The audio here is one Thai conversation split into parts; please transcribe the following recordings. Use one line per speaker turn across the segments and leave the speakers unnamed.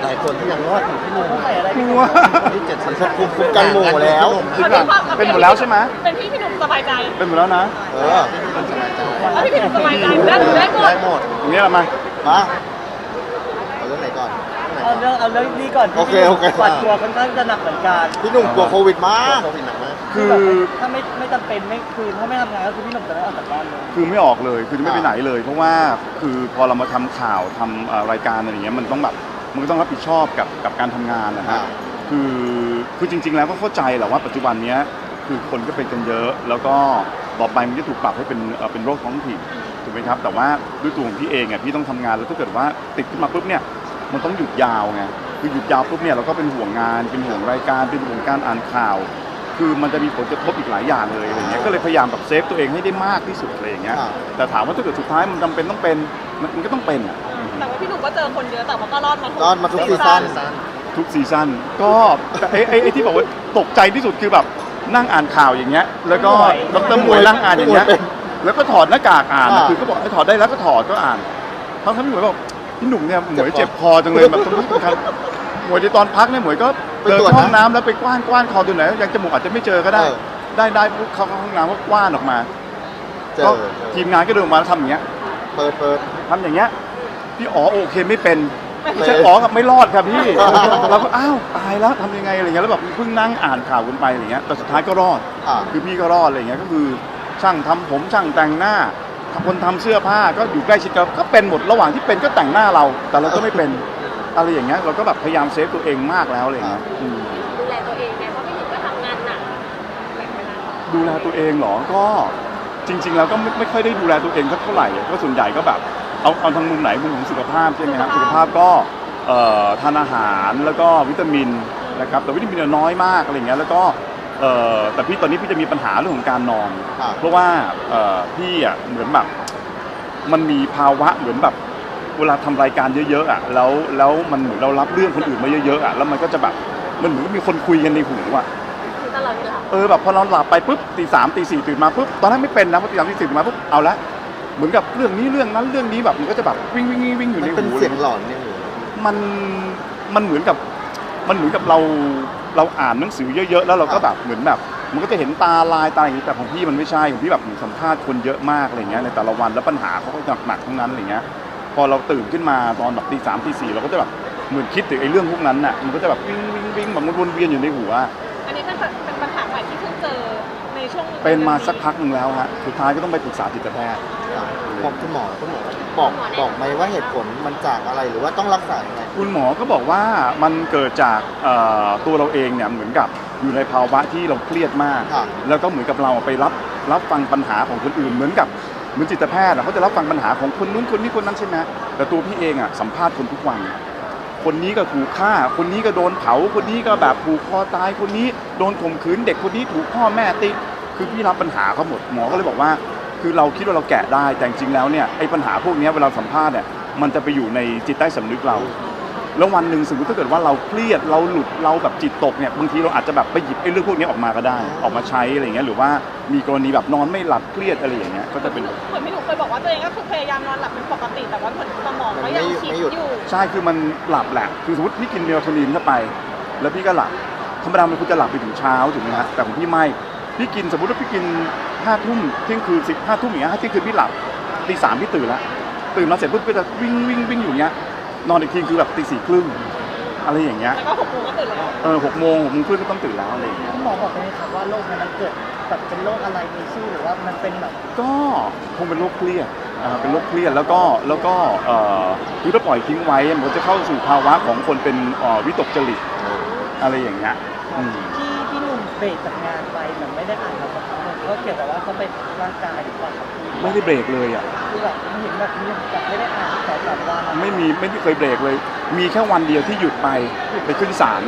หลายคนที่ยังรอดอยู่ที่นู่น
ต้องใส่อะไร
กลัว
ที่70มันคุมกันหมู่แล้ว
คือแบบเป็นหมดแล้วใช่ไหม
เป็นพี่หนุ่มสบายใจ
เป็นหมดแล้วนะ
แล้วพี่หนุ่มสบายใจได้หมด
อย่างนี้ละมา
มาเอาเรื่องไหนก่อน
เอาเรื่องนี้ก่อน
โอเค
หวาดกลัวค่อนข้างจะหนักเหมือนกัน
พี่หนุ่มกลัวโควิดมากโควิดหนักมาก
คือ
แบบถ้าไม่จำเป็นไม่คือถ้าไม่ทำงานก็คือพี่หนุ่มจะไม่ออกจากบ้านเลย
คือไม่ออกเลยคือจะไม่ไปไหนเลย เพราะว่าคือพอเรามาทำข่าวทำรายการอะไรอย่างเงี้ยมันต้องแบบมันก็ต้องรับผิดชอบกับการทำงานนะฮะคือจริงๆแล้วก็เข้าใจแหละว่าปัจจุบันเนี้ยคือคนก็เป็นกันเยอะ แล้วก็ต่อไปมันจะถูกปรับให้เป็นโรคท้องถิ่นถูกไหมครับแต่ว่าด้วยตัวของพี่เองอ่ะพี่ต้องทำงานแล้วถ้าเกิดว่าติดขึ้นมาปุ๊บเนี่ยมันต้องหยุดยาวไงคือหยุดยาวปุ๊บเนี่ยเราก็เป็นห่วงงานเป็นห่วงรายการเป็นห่วงการอ่านข่าว คือมันจะมีผลกระทบอีกหลายอย่างเลยอะไรเงี้ยก็เลยพยายามแบบเซฟตัวเองให้ได้มากที่สุดอะไรอย่างเงี้ยแต่ถามว่าถ้าเกิดสุดท้ายมันจำเป็นต้องเป็นมันก็ต้องเป็นอ่ะ
แต่ว่าพี่หนุ่มก็เจอคนเยอะแต่ว่าก็รอดมา
รอดมาทุกซีซั่น
ทุกซีซั่นก็ไอ้ที่บอกว่าตกใจที่สุดคือแบบนั่งอ่านข่าวอย่างเงี้ยแล้วก็ดร.หมวยนั่งอ่านอย่างเงี้ยแล้วก็ถอดหน้ากากอ่านคือก็บอกให้ถอดได้แล้วก็ถอดก็อ่านทั้งพี่หมวยบอกพี่หนุ่มเนี่ยหมวยเจ็บคอจังเลยแบบต้องครับหมวยในตอนพักเนี่ยหมวยก็เดินเข้าห้องน้ำแล้วไปกว้านคอดูไหนยังจมูกอาจจะไม่เจอก็ได้ได้ปุ๊บเข้าห้องน้ำก็กว้านออกมาก็ทีมงานก็เดินมาแล้วทำอย่างเงี้ย
เปิด
ทำอย่างเงี้ยพี่อ๋อโอเคไม่เป็นไม่ใช่อ๋อกับไม่รอดครับพี่เราก็อ้าวตายแล้วทำยังไงอะไรเงี้ยแล้วแบบเพิ่งนั่งอ่านข่าวกันไปอะไรเงี้ยแต่สุดท้ายก็รอดคือพี่ก็รอดอะไรเงี้ยก็คือช่างทำผมช่างแต่งหน้าคนทำเสื้อผ้าก็อยู่ใกล้ชิดกันก็เป็นหมดระหว่างที่เป็นก็แต่งหน้าเราแต่เราก็ไม่เป็นอะไรอย่างเงี้ยเราก็แบบพยายามเซฟตัวเองมากแล้วอะไรเงี้ย
ดูแลตัวเองไงเพราะพี่หนุ่มก็ทำงานหนักแบ่งเวลา
ดูแลตัวเองเหรอก็จริงๆแล้วก็ไม่ค่อยได้ดูแลตัวเองสักเท่าไหร่ก็ส่วนใหญ่ก็แบบเอาทางมุมไหนมุมของสุขภาพใช่ไหมครับสุขภาพก็ทานอาหารแล้วก็วิตามินนะครับแต่วิตามินน้อยมากอะไรเงี้ยแล้วก็แต่พี่ตอนนี้พี่จะมีปัญหาเรื่องของการนอนเพราะว่าพี่อ่ะเหมือนแบบมันมีภาวะเหมือนแบบเวลาทำรายการเยอะๆอ่ะแล้วมันเหมือนเรารับเรื่องคนอื่นมาเยอะๆอ่ะแล้วมันก็จะแบบมันเหมือนมีคนคุยกันในหูอ่ะ
ตลอดเวลา
แบบพอเราหลับไปปุ๊บตี 3ตี 4ตื่นมาปุ๊บตอนนั้นไม่เป็นนะพอตี 3ตี 4ตื่นมาปุ๊บเอาละเหมือนกับเรื่องนี้เรื่องนั้นเรื่องนี้แบบมันก็จะแบบวิ่งอยู่ในหู
เป็นเสียงหลอนเนี่ย
มันเหมือนกับเราอ่านหนังสือเยอะๆแล้วเราก็แบบเหมือนแบบมันก็จะเห็นตาลายตาอย่างนี้แต่ของพี่มันไม่ใช่ของพี่แบบสัมภาษณ์คนเยอะมากอะไรเงี้ยในแต่ละวันแล้วปัญหาเขาก็หนักทั้งนั้นอะไรเงี้ยพอเราตื่นขึ้นมาตอนแบบตี 3ตี 4เราก็จะแบบเหมือนคิดถึงไอ้เรื่องพวกนั้นน่ะมันก็จะแบบวิ่งแบบมันวนเวียนอยู่ในหัว
อันนี้เป็นปัญหาใหม่ที่เพิ่งเจอในช่วง
เป็นมาสักพักหนึ่งแล้วฮะสุดท้ายก็ต้องไปปรึกษาจิตแพทย์
บอกคุณหมอบอกไหมว่าเหตุผลมันจากอะไรหรือว่าต้องรักษายังไง
คุณหมอก็บอกว่ามันเกิดจากตัวเราเองเนี่ยเหมือนกับอยู่ในภาวะที่เราเครียดมากแล้วก็เหมือนกับเราไปรับฟังปัญหาของคนอื่นเหมือนจิตแพทย์เขาจะรับฟังปัญหาของคนนู้นคนนี้คนนั้นใช่ไหมแต่ตัวพี่เองอ่ะสัมภาษณ์คนทุกวันคนนี้ก็ถูกฆ่าคนนี้ก็โดนเผาคนนี้ก็แบบผูกคอตายคนนี้โดนข่มขืนเด็กคนนี้ถูกพ่อแม่ตีคือพี่รับปัญหาเขาหมดหมอก็เลยบอกว่าคือเราคิดว่าเราแกะได้แต่จริงแล้วเนี่ยไอ้ปัญหาพวกนี้เวลาสัมภาษณ์เนี่ยมันจะไปอยู่ในจิตใต้สำนึกเราแล้ววันหนึ่งสมมติถ้าเกิดว่าเราเครียดเราหลุดเราแบบจิตตกเนี่ยบางทีเราอาจจะแบบไปหยิบไอ้เรื่องพวกนี้ออกมาก็ได้ออกมาใช้อะไรเงี้ยหรือว่ามีกรณีแบบนอนไม่หลับเครียดอะไรอย่างเงี้ยก็จะเป็น
เหมือนพี่หนุ่มเคยบอกว่าตัวเองก็คือพยายามนอนหลับเป็นปกติแต่ว่าเหมือนสมองก็ยังคิดอยู่
ใช่คือมันหลับแหละคือสมมติพี่กินเมลโทนินเข้าไปแล้วพี่ก็หลับธรรมดามันควรจะหลับไปถึงเช้าถูกไหมฮะแต่ของพี่ไม่พี่กินสมมติว่าพี่กิน5 ทุ่มเที่ยงคืน15 ทุ่มอย่างเงี้ยเที่ยงคืนพี่หลับตี 3พี่ตื่นแล้วตื่นมาเสร็จปุ๊บก็จะวิ่งอยู่เงี้ยนอนอีกทีคือแบบตี 4 ครึ่งอะไรอย่างเงี้ย
แล้วก็6 โมงก็ตื่นแล้ว
6 โมงครึ่งก็ต้องตื่นแล้วอะไรอย่างเงี้ย
หมอบอกไหมครับว่าโรคมันเกิดแบบเป็นโรคอะไรมีชื่อหรือว่ามันเป็นแบบ
ก็คงเป็นโรคเครียดเป็นโรคเครียดแล้วก็คือถ้าปล่อยทิ้งไว้มันจะเข้าสู่ภาวะของคนเป็นวิตกจริตอะไรอย่างเงี้ย
ที่หนุ่มเบรกจากงานไปเหมือนไม่ได้อ่านมาสักพักนึงก็เกี่ยวกับว่าเขาเป็นร่างกายหรือเปล่าครับ
ไม่ได้เบรกเลยอ่ะ
คือแบบเห็นแบบนี้แบบไม่ได้อ่าน2-3 วัน
ไม่เคยเบรกเลยมีแค่วันเดียวที่หยุดไปขึ้นศาล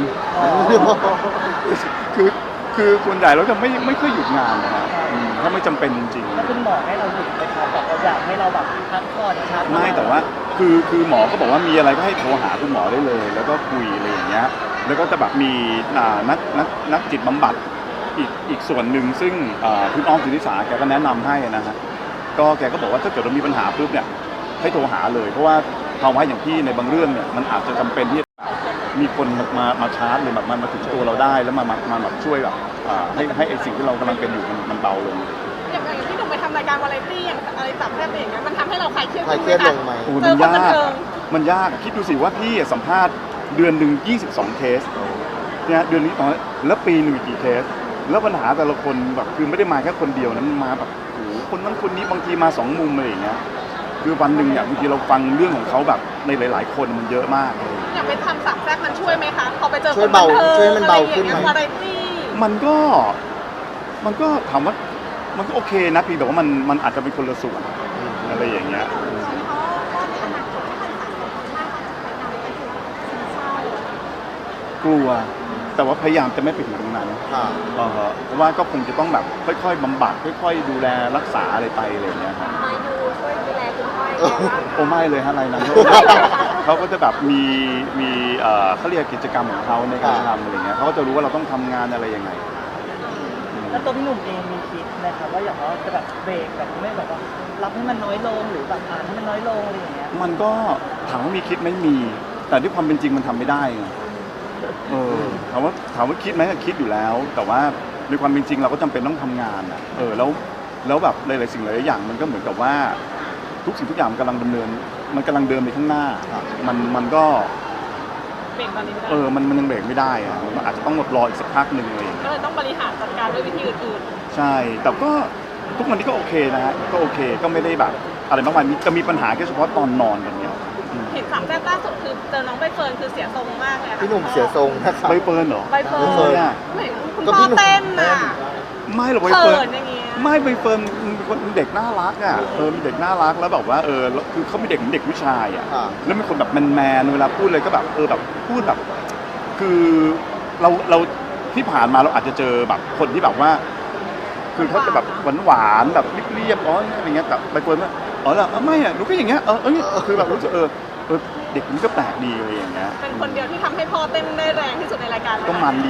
คือส่วนใหญ่เราจะไม่ค่อยหยุดงานนะครับถ้าไม่จำเป็นจริง
ๆแล้วคุณหมอให้เราหยุดไหมครับแบบเราอยากให้เราแบบพักผ่อนชาร์จ
ไม่แต่ว่าคือหมอก็บอกว่ามีอะไรก็ให้โทรหาคุณหมอได้เลยแล้วก็คุยอะไรอย่างเงี้ยแล้วก็จะแบบมีนักจิตบำบัดอีกส่วนหนึ่งซึ่งคุณอ้อมสุนิสาแกก็แนะนำให้นะฮะก็แกก็บอกว่าถ้าเกิดเรามีปัญหาปุ๊บเนี่ยให้โทรหาเลยเพราะว่าภาวะอย่างพี่ในบางเรื่องเนี่ยมันอาจจะจำเป็นที่มีคนมาชาร์จหรือแบบมาถึงตัวเราได้แล้วมาแบบช่วยแบบให้ไอ้สิ่งที่เรากำลังเป็นอยู่มันเบาลง
อย่างที่หนุ่มไปทำรายการวาไรตี้อย่างอะไรจับแทบอย่างเงี้ยมันทำให้เราคลายเครียด
ใครเครียดลงไหม
โอ้
เจอคนบันเทิง
มันยากคิดดูสิว่าพี่สัมภาษณ์เดือนหนึ่ง22 เคสเนี่ยเดือนนี้แล้วปีหนึ่งกี่เคสแล้วปัญหาแต่ละคนแบบคือไม่ได้มาแค่คนเดียวนะมันมาแบบโอ้โหคนนั้นคนนี้บางทีมา2 มุมอะไรอย่างเงี้ยคือวันหนึ่งเนี่ยบางทีเราฟังเรื่องของเขาแบบในหลาย ๆ คนมันเยอะมาก
อยากไปทำสามแทรกมันช่วยไหมคะพอไปเจอ
ช่
ค
วย
น
เบา
บันเทิง
ช่วยให้มัน
อะไร
เบา
อย่าง
ขึ้น
เงี้
ไหม
ยวาไรตี้
มันก็ถามว่ามันก็โอเคนะพี่แต่ว่ามันอาจจะเป็นคนละส่วนอะไรอย่างเงี้ยกลัวแต่ว่าพยายามจะไม่ไปถึงตรงนั้น
ค่ะ
เพราะว่าก็คงจะต้องแบบค่อยๆบำบัดค่อยๆดูแลรักษาอะไรไปอะไรอย่างเงี้ยครับ
มายูช่วยดูแลคุณพ่อ
โอ้ไม่เลยฮะอะไรนะเขาก็จะแบบมีเขาเรียกกิจกรรมของเขาในการทำอะไรเงี้ยเขาก็จะรู้ว่าเราต้องทำงานอะไรยังไง
แล้วตัวพี่หนุ่มเองมีคิดนะครับว่าอยากว่าจะแบบเบรกแบบไม่แบบว่ารับให้มันน้อยลงหรือแบบอ่านให้มันน้อยลงอะไรอย่างเงี้ย
มันก็ถามว่ามีคิดไหมมี แต่ด้วยความเป็นจริงมันทำไม่ได้ไงถามว่าคิดไหมก็คิดอยู่แล้ว แต่ว่าในความเป็นจริงเราก็จำเป็นต้องทำงานอ่ะแล้วแบบหลายๆสิ่งหลายๆอย่างมันก็เหมือนกับว่าทุกสิ่งทุกอย่างมันกำลังเดินไปข้างหน้ามันก็
เบรกตอนนี้ไม่ได้
มันยังเบรกไม่ได้อะมันอาจจะต้องรออีกสักพักหนึ่งเลย
ก็เลยต้องบริหารจัดการด้วยวิธีอื่น
ใช่แต่ก็ทุกวันนี้ก็โอเคนะฮะก็โอเคก็ไม่ได้แบบอะไรมากมายจะมีปัญหาแค่เฉพาะตอนนอนกันเนี้ย
ๆเห็นสามแทรกล่าสุดคือเจอน้องใบเฟิร์นคือเสียทรงมากเลยค่ะ
พี่หนุ่มเสียทรงนะครับ
ใบเฟิร์นเหรอ
ใบเฟิร์
ใบเฟิร์
น
น
อะ
ไม่เห็นคุณ
ก็
พ่
พี่
อ
หนุ่ม
เต้นน่ะ
ไม่หรอกใบ
เขิ
เฟิร์น
นอย่างเงี้ย
ไม่ใบเฟิร์นเป็นเด็กน่ารักอ่ะมีเด็กน่ารักแล้วแบบว่าคือเขาเป็นเด็กเหมือนเด็กผู้ชายอ่ะ
ค่ะ
แล้วเป็นคนแบบแมนเวลาพูดเลยก็แบบแบบพูดแบบคือเราที่ผ่านมาเราอาจจะเจอแบบคนที่แบบว่า คือเขาจะแบบหวานๆแบบเรียบๆอะไรเงี้ยแต่ใบเฟิร์นว่าเหรอไม่อ่ะหนูก็อย่างเงี้ยคือแบบรู้สึกเด็กนี้ก็แปลกดีอะไรอย่างเงี้ย
เป็นคนเดียวที่ทำให้พ่อเต้นได้แรงที่สุดในรายการเลย
ก็มันดี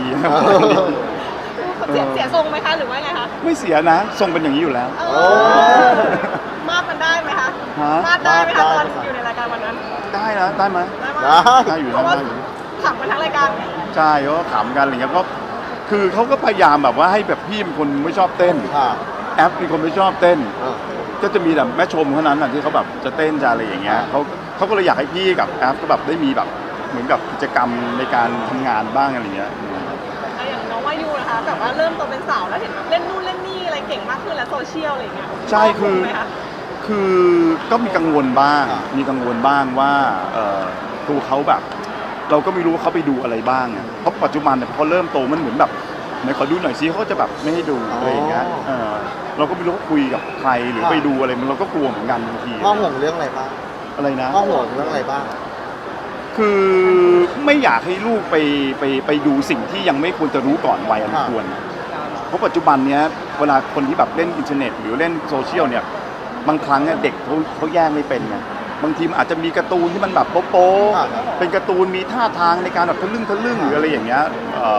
เสียทรงไหมคะหรือว่าไงคะ
ไม่เสียนะทรงเป็นอย่างนี้อยู่แล้ว
เออมาดมันได้ไหมคะ
ฮะ
มาดได้ไหมคะ
ได้
ตอน
ค่ะ
อยู่ในรายการวันนั้น
ได้นะได้ไหม
ได้ไหม
ได้อยู่
เพ
นะ
ราะว่า
ได้อยู่
ขำกันทั้งรายการ
ใช่เขาก็ขำกันอะไรเงี้ยก็คือเขาก็พยายามแบบว่าให้แบบพี่เป็นคนไม่ชอบเต้น
ค่ะ
แอปเป็นคนไม่ชอบเต้น
เออ
ก็จะมีแต่แม่ชมเท่านั้นน่ะที่เขาแบบจะเต้นจะอะไรอย่างเงี้ยเขาก็เลยอยากให้พี่กับแอปก็แบบได้มีแบบเหมือนกับกิจกรรมในการทำงานบ้างอะไรเงี้ย
อย่างน้องวายูนะคะแบบว่าเริ่มโตเป็นสาวแล้วเห็นแบบเล่นนู่นเล่นนี่อะไรเก่งมากขึ้นแล้วโซเชียลอะไรอย่างเงี้ย
ใช่คือ
ไหมะ
คือก็มีกังวลบ้างว่าตัวเขาแบบ เราก็ไม่รู้ว่าเขาไปดูอะไรบ้างอะเพราะปัจจุบันเนี่ยพอเริ่มโตมันเหมือนแบบไหนขอดูหน่อยซิเขาก็จะแบบไม่ให้ดูอะไรอย่างเงี้ยเราก็ไม่รู้ว่าคุยกับใครหรือไปดูอะไรมันเราก็กลัวเหมือนกันบางที
พ่อห่วงเรื่องอะไรบ้าง
อะไรนะ
พ่อห่วงเรื่องอะไรบ้าง
คือไม่อยากให้ลูกไปดูสิ่งที่ยังไม่ควรจะรู้ก่อนวัยอันควร เพราะปัจจุบันเนี้ยเวลาคนที่แบบเล่นอินเทอร์เน็ตหรือเล่นโซเชียลเนี่ยบางครั้งเนี่ยเด็กเขาแยกไม่เป็นไงบางทีมันอาจจะมีการ์ตูนที่มันแบบโป๊ะ
ครับ
ๆเป็นการ์ตูนมีท่าทางในการแบบทะลึ่งหรืออะไรอย่างเงี้ย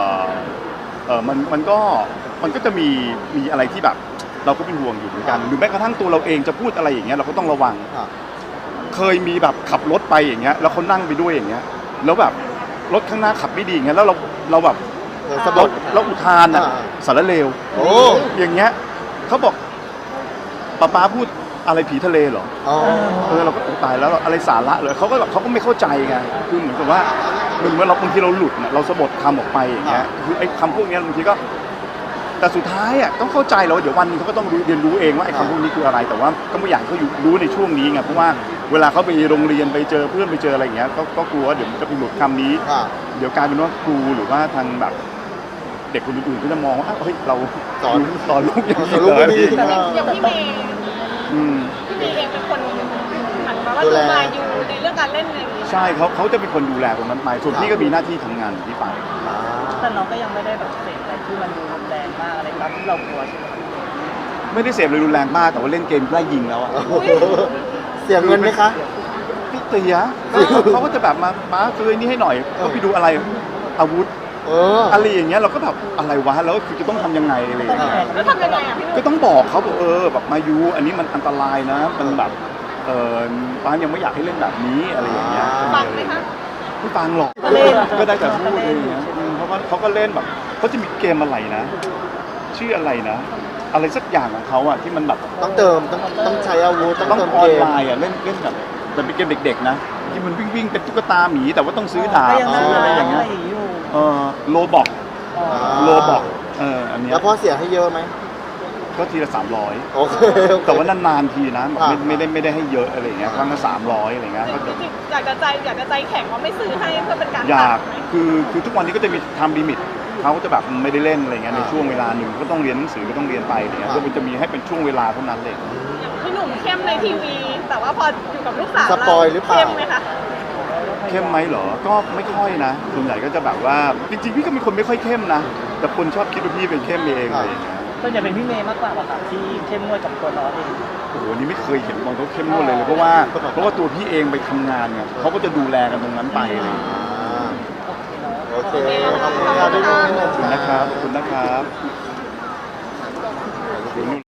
มันก็จะมีอะไรที่แบบเราก็เป็นห่วงอยู่เหมือนกันหรือแม้กระทั่งตัวเราเองจะพูดอะไรอย่างเงี้ยเราก็ต้องระวัง
ค่ะ
เคยมีแบบขับรถไปอย่างเงี้ยแล้วเขานั่งไปด้วยอย่างเงี้ยแล้วแบบรถข้างหน้าขับไม่ดีอย่างเงี้ยแล้วเราแบบ
สะบด
เราอุทานอ่ะ
อ่า
สารเลว
โอ้
อย่างเงี้ยเขาบอกป๊าพูดอะไรผีทะเลเหรอ
อ๋อ
เราก็ตายแล้วอะไรสาระเลยเขาก็ไม่เข้าใจไงคือเหมือนกับว่าเหมือนเราบางทีเราหลุดเนี่ยเราสะบัดคำออกไปอย่างเงี้ยคือไอ้คำพวกเนี้ยบางทีก็แต่สุดท้ายอ่ะต้องเข้าใจแล้วว่าเดี๋ยววันนึงเขาก็ต้องเรียนรู้เองว่าไอ้คำพวกนี้คืออะไรแต่ว่าก็ไม่อยากให้เขาอยู่รู้ในช่วงนี้ไงเพราะว่าเวลาเขาไปโรงเรียนไปเจอเพื่อนไปเจออะไรอย่างเงี้ยก็กลัวว่าเดี๋ยวมันจะไปหลุดคำนี้
ค่ะ
เดี๋ยวกลายเป็นว่าครูหรือว่าทางแบบเด็กคนอื่นๆก็จะมองว่าเฮ้ยเรา
สอน
ลูกอย่างนี้
สอนลูก
เลย
ไม่ดี
อย่างพี่เมย์
อืม
พี่เมย์เองเป็นคนเหมือนแบบว่า
ดู
ดู
แล
มาอยู่ในเรื่องการเล่นอะไรอย่างเงี้ย
ใช่เขาจะเป็นคนดูแลตรงนั้นไปส่วนพี่ก็มีหน้าที่ทำงานของพี่ไป
อ่า
แต่น้องก็ยังไม่ได้แบบเสพอะไรที่มันดูรุนแรงมากอะไรตามที่เรากลัวใช่ไหม
ไม่ได้เสพอะไรรุนแรงมากแต่ว่าเล่นเกมไล่ยิงแล้วอะ
เสียเงินไหมคะ
พี่เตียเขาก็จะแบบมาซื้อไอ้นี่ให้หน่อยก็ไปดูอะไรอาวุธ อะไรอย่างเงี้ยเราก็แบบอะไรวะแล้วคือจะต้องทำยังไงอะไรอย่างเงี้ย
แล้วทำยังไงอ่ะพี่
ก็ต้องบอกเขาบอกแบบมายูอันนี้มันอันตรายนะมันแบบป้ายังไม่อยากให้เล่นแบบนี้อะไรอย่างเงี้ย
ฟังไหมคะ
ไม่ฟังหรอก
ก็เล่น
ก็ได้แต่พูดอะไรอย่างเงี้ยเพราะว่าเขาก็เล่นแบบเขาจะมีเกมอะไรนะ ชื่ออะไรนะ อะไรสักอย่างของเขาอะที่มันแบบ
ต้องเติมต้องใช้อาวุธต้อง
ต้อง
เติม
ออ
เก
น
ม
ไลน์อะเล่นแบบแต่เป็นเกมเด็กๆนะที่มันวิ่งเป็นตุ๊กตาหมีแต่ว่าต้องซื้อดาบ
ก็ยัง
ซื้ออะไรอย่างเงี้ย
อยู่
โลบอก
อ๋อ
โลบอกอันเนี้ย
แล้วพ่อเสียให้เยอะไหม
ก็ทีละ300
โอเค
แต่ว่านานๆทีนะแบบ
อ่า
ไม่ได้ให้เยอะอะไรอย่างเงี้ยครั้งละ300อะไรเงี้ยก็จะ
จริงๆอยากจะใจแข็งว่าไม่ซื้อให้เพื่อเป็นการ
อยาก
ตัดไหม
คือทุกวันนี้ก็จะมีทำลิมิตเขาก็จะแบบไม่ได้เล่นอะไรเงี้ยในช่วงเวลาหนึ่งก็ต้องเรียนหนังสือก็ต้องเรียนไปอะไรเงี้ยก็จะมีให้เป็นช่วงเวลาเท่านั้นเลย
อย่างพี่หนุ่มเข้มในทีวี แต่ว่าพออยู่กับลูกสาว
สปอยหรือเปล่า
เข้มไหมคะ
เข้มไหมเหรอก็ไม่ค่อยนะส่วนใหญ่ก็จะแบบว่าจริงๆพี่ก็เป็นคนไม่ค่อยเข้มนะแต่คนชอบคิดว่าพี่เป็นเข้มเองอะไรอย่างเงี้ย
ส่วนใหญ่เป็นพี่เมย์มากกว่าป่ะครับที่เข้มงวดกับตัวน้องเอง
โอ้โหนี่ไม่เคยเห็นบางเขาเข้มงวดเลยเพราะว่าตัวพี่เองไปทำงานไงเขาก็จะดูแลกันตรงนั้นไปอะไรอย่างเงี้ย
โอเคขอบคุณครับพี่นุ่น
ขอบคุณนะครับขอบคุณนะครับ